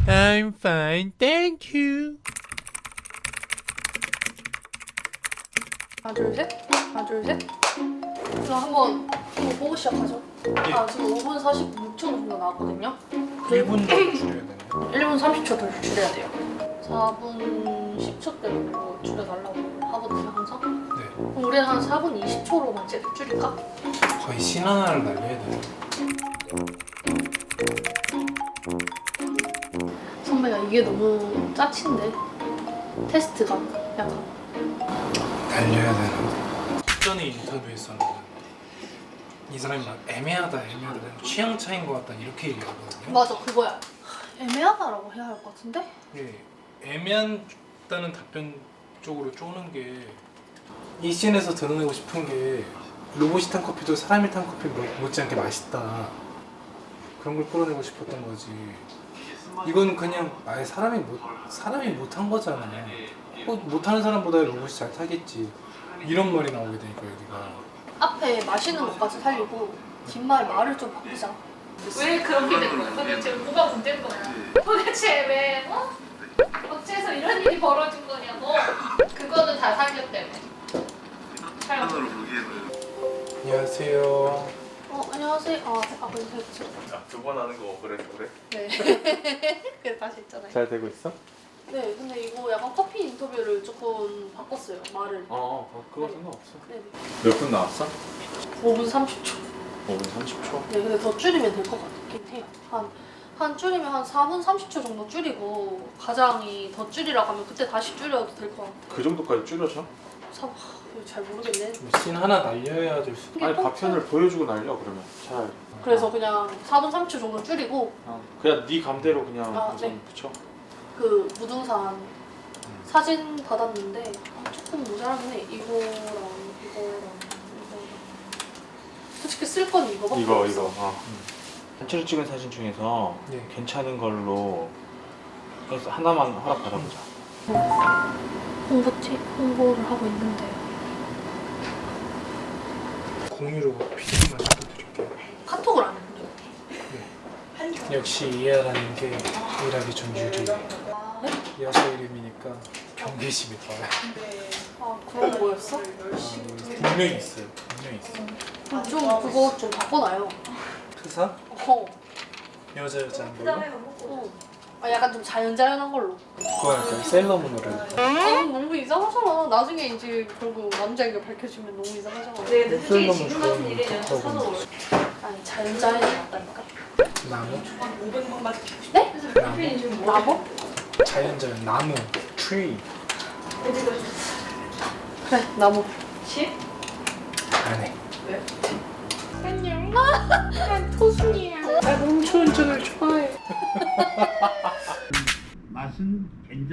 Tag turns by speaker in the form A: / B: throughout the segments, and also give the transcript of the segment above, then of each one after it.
A: I'm fine, thank you.
B: 하나 둘 셋. 하나 둘 셋. 자 한번 이거 보고 시작하죠. 아 지금 5분 46초 정도 나왔거든요.
A: 1분 더 줄여야 되네요.
B: 1분 30초 더 줄여야 돼요. 4분 10초대로 줄여달라고 하거든요 항상.
A: 네.
B: 그럼 우리는 한 4분 20초로만 줄일까?
A: 거의 신 하나를 날려야 돼요.
B: 선배가 이게 너무 짜친데 테스트가 약간
A: 달려야 되나? 전에 인터뷰했었는데 이 사람이 막 애매하다 취향 차이인 것 같다 이렇게 얘기하거든요.
B: 맞아 그거야. 애매하다라고 해야 할 것 같은데?
A: 예, 애매하다는 답변 쪽으로 쪼는 게 이 씬에서 드러내고 싶은 게 로봇이 탄 커피도 사람이 탄 커피 못지않게 맛있다 그런 걸 끌어내고 싶었던 거지. 이거는 그냥 아예 사람이 못한 거잖아. 못하는 사람보다 로봇이 잘 타겠지 이런 말이 나오게 되니까 여기가
B: 앞에 마시는 것까지 살리고 뒷말 말을 좀 바꾸자.
C: 왜 그렇게 된 거야? 도대체 뭐가 문제인 거야? 도대체 왜 어째서 이런 일이 벌어진 거냐고. 그거는 다 살렸 때문에. 촬영.
A: 안녕하세요.
B: 안녕하세요. 그래서
D: 두 번 하는 거 그래?
B: 네. 그래서 다시 했잖아요.
D: 잘 되고 있어?
B: 네, 근데 이거 약간 커피 인터뷰를 조금 바꿨어요. 말을.
D: 그거
B: 네.
D: 상관없어.
B: 네.
D: 몇 분 나왔어?
B: 5분 30초.
D: 5분 30초?
B: 네, 근데 더 줄이면 될 것 같긴 해요. 한 줄이면 한 4분 30초 정도 줄이고 가장이 더 줄이라고 하면 그때 다시 줄여도 될 것 같아요.
D: 그 정도까지 줄여져?
B: 이거 잘 모르겠네.
A: 씬 하나 날려야 될 수.
D: 아니 파편을 보여주고 날려 그러면 차라리.
B: 그래서 그냥 4분 30초 정도 줄이고
D: 그냥 네 감대로 그냥 우선
B: 네.
D: 붙여.
B: 그 무등산 사진 받았는데 조금 모자라긴 해. 이거랑 솔직히 쓸 건 이거밖에
D: 이거
B: 없어.
D: 단체로 찍은 사진 중에서
A: 네.
D: 괜찮은 걸로 해서 하나만 허락 받아보자.
B: 홍보를 하고 있는데
A: 공유로 PD만 시켜드릴게요.
B: 카톡을 안 했는데.
A: 역시 이해라는 게 일하기 전 유리. 여자 이름이니까 경계심이 더해.
B: 그런 거였어?
A: 분명히 있어요. 분명히 있어.
B: 좀 그거 좀 바꿔놔요.
A: 트사? 여자 한 걸로?
B: 약간 좀 자연자연한 걸로.
A: 그거 할까요? 셀러문으로.
B: 너무 이상하잖아. 나중에 이제 결국 남자인 게 밝혀지면 너무 이상하잖아.
C: 네, 근데 솔직히
A: 셀러문
C: 지금 같은 일에
A: 좋아하는
C: 사서
A: 거.
B: 아니 자연자연이 낫다니까.
A: 나무?
B: 네?
A: 나무?
B: 마법?
A: 자연자연 나무. 트리.
B: 그래 나무.
A: 안 해.
B: 안녕. 난 토순이야.
A: 나 농촌 운전을 좋아해.
E: 맛은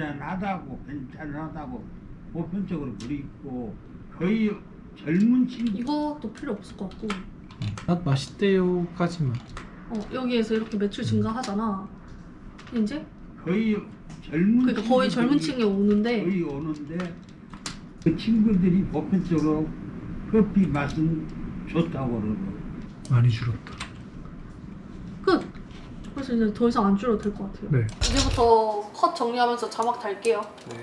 E: 괜찮하다고 보편적으로 그리고 거의 젊은 친구
B: 이것도 필요 없을 것 같고.
A: 맛 맛있대요까지만.
B: 여기에서 이렇게 매출 증가하잖아. 이제
E: 거의 젊은
B: 그러니까 거의 젊은
E: 친구들이
B: 층에 오는데
E: 거의 오는데 그 친구들이 보편적으로 커피 맛은 좋다고 그러고
A: 많이 줄었다.
B: 끝. 그래서 이제 더 이상 안 줄여도 될 것 같아요.
A: 네.
B: 이제부터 컷 정리하면서 자막 달게요.
A: 네.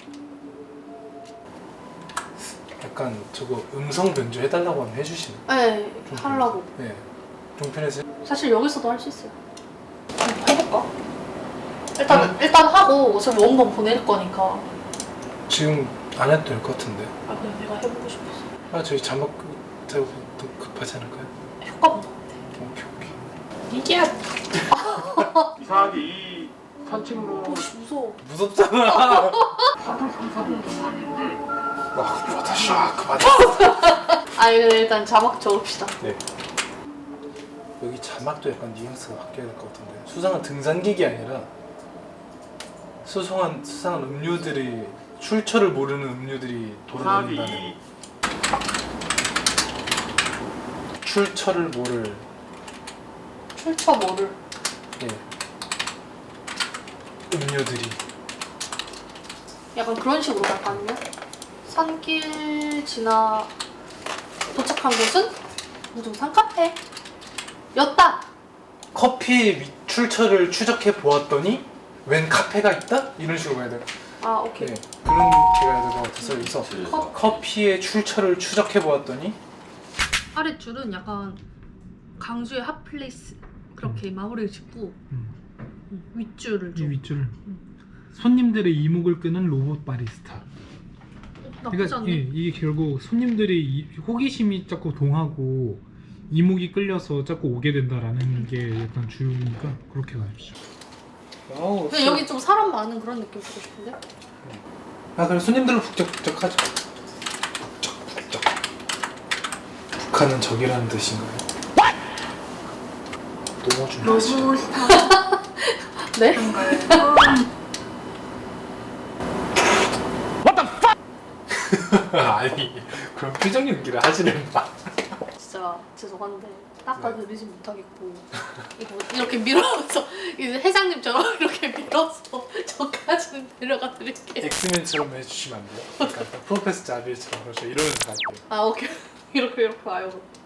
A: 약간 저거 음성 변조 해달라고 하면 해주시나?
B: 네, 하려고.
A: 네. 종편에서
B: 사실 여기서도 할 수 있어요. 해볼까? 일단 하고 어차피 원본 보낼 거니까.
A: 지금 안 해도 될 것 같은데.
B: 그냥 내가 해보고 싶어서.
A: 저희 자막 더 급하지 않을까요?
B: 효과가 나.
A: 오케이.
B: 이게
D: 이상하게 이 산책로
B: 무서워.
A: 무섭잖아. 그만하자.
B: 근데 일단 자막 적읍시다.
A: 네. 여기 자막도 약간 뉘앙스가 바뀌어야 될 것 같은데. 수상한 등산객이 아니라 수상한 음료들이 출처를 모르는 음료들이 돌아다닌다는. 출처를 모를.
B: 출처 모를.
A: 예. 음료들이.
B: 약간 그런 식으로 갈까요? 산길 지나 도착한 곳은 무등산 카페 였다.
A: 커피의 출처를 추적해 보았더니 웬 카페가 있다? 이런 식으로 가야 돼요.
B: 아 오케이.
A: 네, 그런 게 가야 될 것 같아서 여기서 커피의 출처를 추적해 보았더니
B: 아래 줄은 약간 강주의 핫플레이스 그렇게 마무리를 짓고 윗줄을
A: 이
B: 좀
A: 윗줄 손님들의 이목을 끄는 로봇 바리스타.
B: 나쁘지 않네.
A: 이게 결국 손님들이 호기심이 자꾸 동하고 이목이 끌려서 자꾸 오게 된다라는 게 약간 주니까 그렇게 가십시오. 와우.
B: 근데 여기 좀 사람 많은 그런 느낌 주고 싶은데?
A: 아 그럼 손님들로 북적북적하죠. 북적북적. 북한은 적이라는 뜻인가요? 너무 중요하죠.
B: 네?
A: 아니 그런 표정 연기를 하지는 마.
B: 진짜 죄송한데 닦아드리지 못하겠고 이거 이렇게 밀어서 이제 회장님처럼 이렇게 밀어서 저까지는 데려가 드릴게요.
A: 엑스맨처럼 해주시면 안 돼요? 약간 프로페서 자비처럼 그렇죠. 이러면서 갈게요.
B: 아 오케이. 이렇게 와요.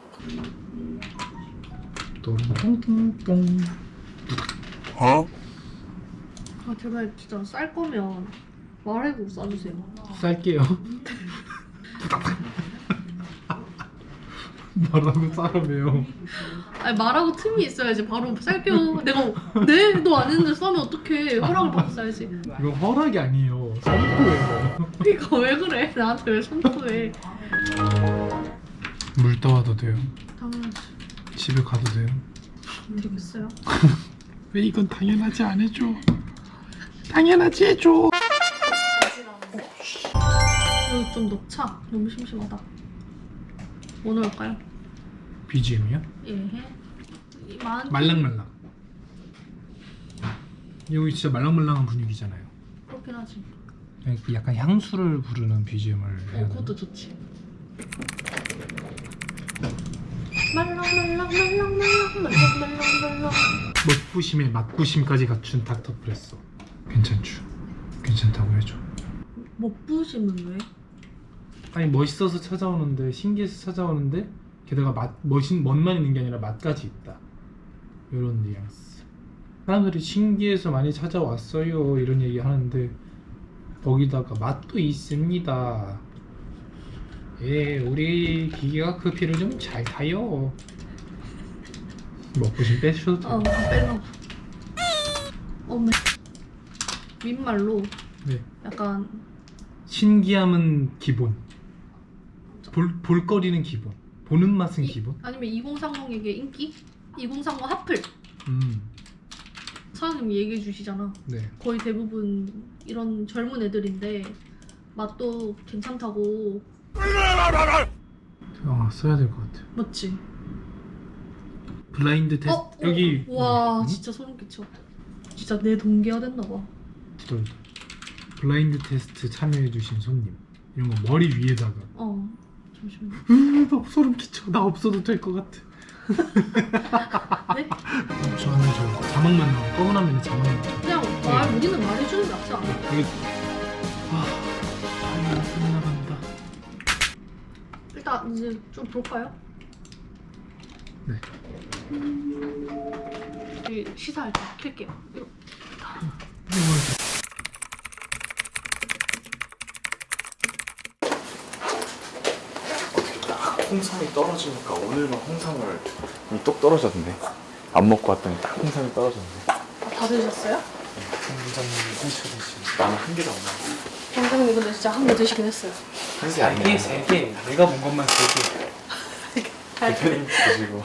A: 똥똥똥.
E: 어?
B: 아 제발 진짜 쌀 거면 말해고 싸주세요.
A: 쌀게요. 뭐라고 싸라며요?
B: 아니 말하고 틈이 있어야지 바로 쌀게요. 내가 네? 너 안 했는데 싸면 어떡해. 허락을 받고 싸야지.
A: 이거 허락이 아니에요. 선포예요.
B: 그러니까 왜 그래? 나한테 왜 선포해.
A: 물 떠와도 돼요.
B: 당연하지.
A: 집에 가도 돼요.
B: 되겠어요?
A: 왜 이건 당연하지 안 해줘? 당연하지 해줘.
B: 여기 좀 녹차. 너무 심심하다. 뭐 넣을까요?
A: BGM이요?
B: 예.
A: 말랑말랑. 여기 진짜 말랑말랑한 분위기잖아요.
B: 그렇긴 하지.
A: 약간 향수를 부르는 BGM을 해야 되나?
B: 그것도 좋지. 말랑말랑말랑말랑말랑말랑.
A: 멋부심에 맛부심까지 갖춘 닥터프레소. 괜찮죠? 괜찮다고 해줘.
B: 먹부심은 왜?
A: 아니 멋있어서 찾아오는데 신기해서 찾아오는데 게다가 멋만 있는 게 아니라 맛까지 있다. 이런 뉘앙스. 사람들이 신기해서 많이 찾아왔어요 이런 얘기 하는데 거기다가 맛도 있습니다. 예, 우리 기계가 커피를 좀 잘 타요. 먹부심 빼셔도 돼요.
B: 빼려고. 민말로
A: 네.
B: 약간
A: 신기함은 기본. 볼거리는 기본. 보는 맛은 기본.
B: 아니면 2030에게 인기? 2030 하플
A: 음,
B: 사장님이 얘기해 주시잖아.
A: 네.
B: 거의 대부분 이런 젊은 애들인데 맛도 괜찮다고.
A: 써야 될 것 같아요.
B: 맞지?
A: 블라인드 테스트 여기.
B: 와
A: 음?
B: 진짜 소름 끼쳐. 진짜 내 동기화 됐나 봐.
A: 두덜. 블라인드 테스트 참여해주신 손님 이런 거 머리 위에다가.
B: 잠시만.
A: 나 소름 끼쳐. 나 없어도 될 것 같아.
B: 네?
A: 저는 저 자막만 나와. 검은 화면에 자막만 나와.
B: 그냥 우리는 말해주는 게 낫지 않아?
A: 여기 타이머 끝나간다.
B: 일단 이제 좀 볼까요?
A: 네.
B: 여기 시사할 때 킬게요. 이거.
D: 홍삼이 떨어지니까 오늘만 홍삼을 똑 떨어졌네. 안 먹고 왔더니 딱 홍삼이 떨어졌네.
B: 다 드셨어요?
A: 굉장히 상처되시.
D: 나는 한 개도 안 먹어.
B: 원장님 근데 진짜 한 개 드시긴 했어요.
D: 한개 아니야.
A: 세 개. 내가 본 것만 세 개.
D: 대표님 드시고.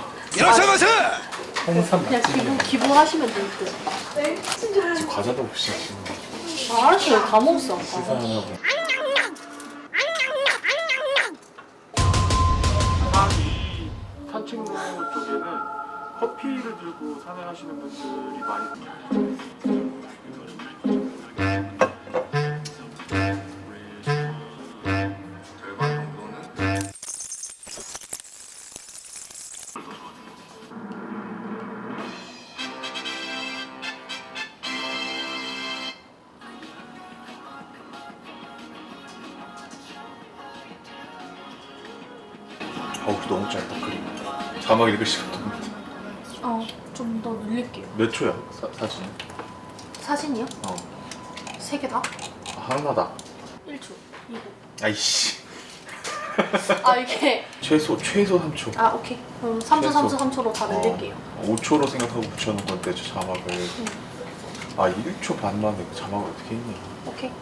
A: 홍삼
B: 그냥
A: 맛집이야.
B: 기부하시면 될 듯.
D: 과자도 없이 지금
B: 알았어요. 다 먹었어. 아까.
D: 계산하고. 산책로 쪽에는 커피를 들고 산행하시는 분들이 많이. 어우 너무 짧다 그림. 자막 읽을 시간도 없는데.
B: 좀 더 늘릴게요.
D: 몇 초야 사진?
B: 사진이요?
D: 어.
B: 3개 다?
D: 하나다.
B: 1초 2초
D: 아이씨.
B: 아 이게
D: 최소 3초.
B: 아 오케이 그럼 3초 3초 3초로 다 늘릴게요
D: 5초로 생각하고 붙여놓은 건데 저 자막을. 아 1초 반 만에 그 자막을 어떻게 했냐.
B: 오케이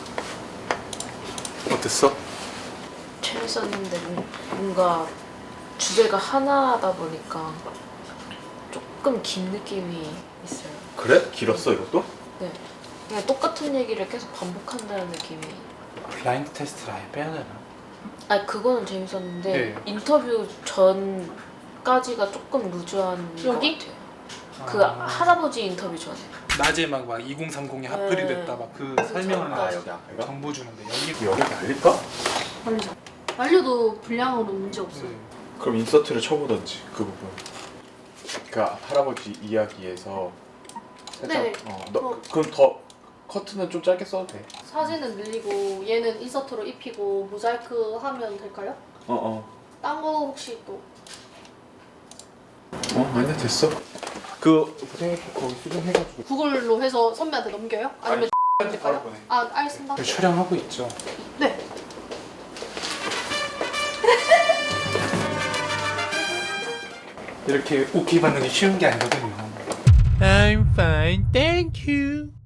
A: 어땠어?
F: 재밌었는데 뭔가 주제가 하나다 보니까 조금 긴 느낌이 있어요.
D: 그래? 길었어 이것도?
F: 네. 그냥 똑같은 얘기를 계속 반복한다는 느낌이.
A: 블라인드 테스트를 아예 빼야 되나?
F: 아니 그거는 재밌었는데
A: 네.
F: 인터뷰 전까지가 조금 루즈한
B: 여기?
F: 것 같아요. 그 할아버지 인터뷰 전에.
A: 낮에 막 2030이 핫플이
F: 네.
A: 됐다 막 그 설명을
D: 아 여기 앞에가?
A: 정보 주는데 여기
D: 여기 날릴까?
B: 말리자 말려도 분량으로 문제 없어요
A: 네.
D: 그럼 인서트를 쳐보던지 그 부분. 그러니까 할아버지 이야기에서 살짝
B: 네네.
D: 그럼 더 커트는 좀 짧게 써도 돼.
B: 사진은 늘리고 얘는 인서트로 입히고 모자이크 하면 될까요? 딴 거 혹시 또
D: 아니야 됐어. 그 거기 수정해가지고.
B: 구글로 해서 선배한테 넘겨요? 아니면
A: 바로
B: 될까요?
A: 보내.
B: 아 알겠습니다
A: 저희 촬영하고 있죠.
B: 네
A: 이렇게 오케이 받는 게 쉬운 게 아니거든요. I'm fine, thank you.